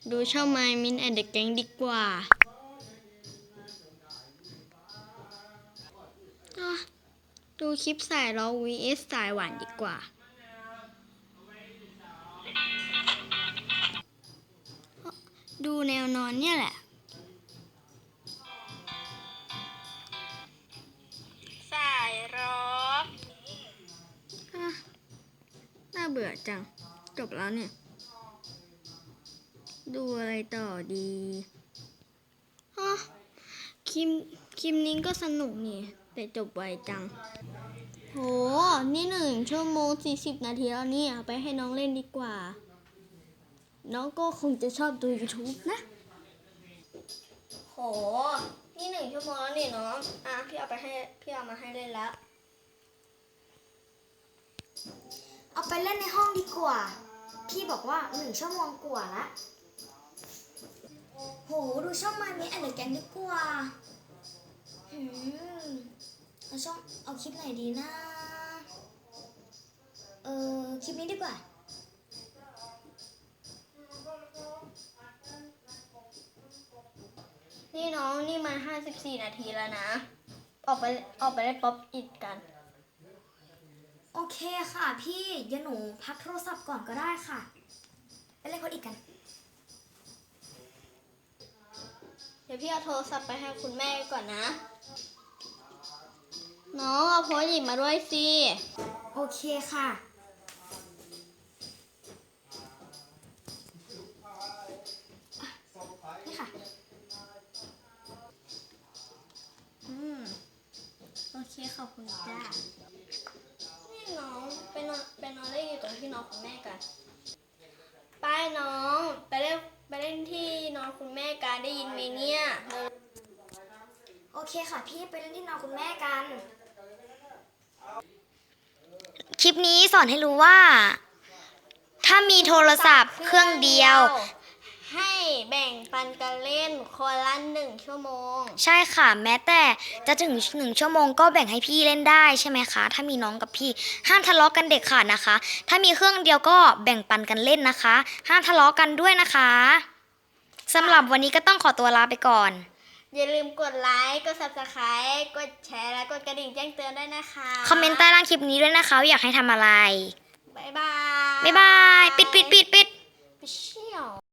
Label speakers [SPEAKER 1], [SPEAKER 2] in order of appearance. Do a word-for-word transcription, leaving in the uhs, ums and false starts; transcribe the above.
[SPEAKER 1] ดูช่องไมมินแอนเดอะแก๊งดีกว่าอ่ะดูคลิปสายเรา วี เอส สายหวานดีกว่า ดูแนวนอนเนี่ยแหละ สายร็อกอ่ะน่าเบื่อจัง จบแล้วเนี่ย ดูอะไรต่อดีฮะคลิปคลิปนี้ก็สนุกนี่ แต่จบไวจัง โห นี่หนึ่งชั่วโมงสี่สิบนาทีแล้วเนี่ย ไปให้น้องเล่นดีกว่า น้องก็คงจะชอบดู YouTube นะ โห นี่หนึ่งชั่วโมงแล้วนี่น้อง อ่ะพี่เอาไปให้พี่เอามาให้เล่นแล้ว
[SPEAKER 2] เอาไปเล่นในห้องดีกว่า พี่บอกว่าหนึ่งชั่วโมงกว่าละโห ดูช่องมามีแอนเดอร์แกงดีกว่าหืมเอาช่องเอาคลิปไหนดีนะ เออคลิปนี้ดีกว่า
[SPEAKER 1] นี่น้องนี่มันห้าสิบสี่นาทีแล้วนะ ออกไปออกไปเล่นป๊อปอิดกัน
[SPEAKER 2] โอเคค่ะพี่เดี๋ยวหนูพักโทรศัพท์ก่อนก็ได้ค่ะ ไปเล่นคนอีกกัน
[SPEAKER 1] เดี๋ยวพี่เอาโทรศัพท์ไปให้คุณแม่ก่อนนะ น้องเอาโพสต์หยิบมาด้วยสิ
[SPEAKER 2] โอเคค่ะอ่ะนี่ค่ะ
[SPEAKER 1] อืม โอเคขอบคุณจ้า นี่น้องไปนอนไปนอนเล่นอยู่ตรงที่นอนคุณแม่กัน ไปน้องไปเล่นไปเล่นที่นอนคุณแม่กันได้ยินไหมเนี่ยเร็ว
[SPEAKER 2] โอเคค่ะพี่ไปเล่นที่นอนคุณแม่กัน คลิปนี้สอนให้รู้ว่า ถ้ามีโทรศัพท์เครื่องเดียว
[SPEAKER 1] ให้แบ่งปันกันเล่นคนละหนึ่งชั่วโมง
[SPEAKER 2] ใช่ค่ะ แม้แต่จะถึงหนึ่งชั่วโมงก็แบ่งให้พี่เล่นได้ใช่ไหมคะ ถ้ามีน้องกับพี่ห้ามทะเลาะกันเด็ดขาดนะคะ ถ้ามีเครื่องเดียวก็แบ่งปันกันเล่นนะคะ ห้ามทะเลาะกันด้วยนะคะสำหรับวันนี้ก็ต้องขอตัวลาไปก่อน
[SPEAKER 1] อย่าลืมกดไลค์ กด ซับสไครบ์ กดแชร์ และกดกระดิ่งแจ้งเตือนด้วยนะคะ
[SPEAKER 2] คอมเมนต์ใต้ล่างคลิปนี้ด้วยนะคะว่าอยากให้ทำอะไร
[SPEAKER 1] บ๊ายบาย
[SPEAKER 2] บ๊ายบาย ปิดปิดปิดปิด
[SPEAKER 1] ไปเชี่ยว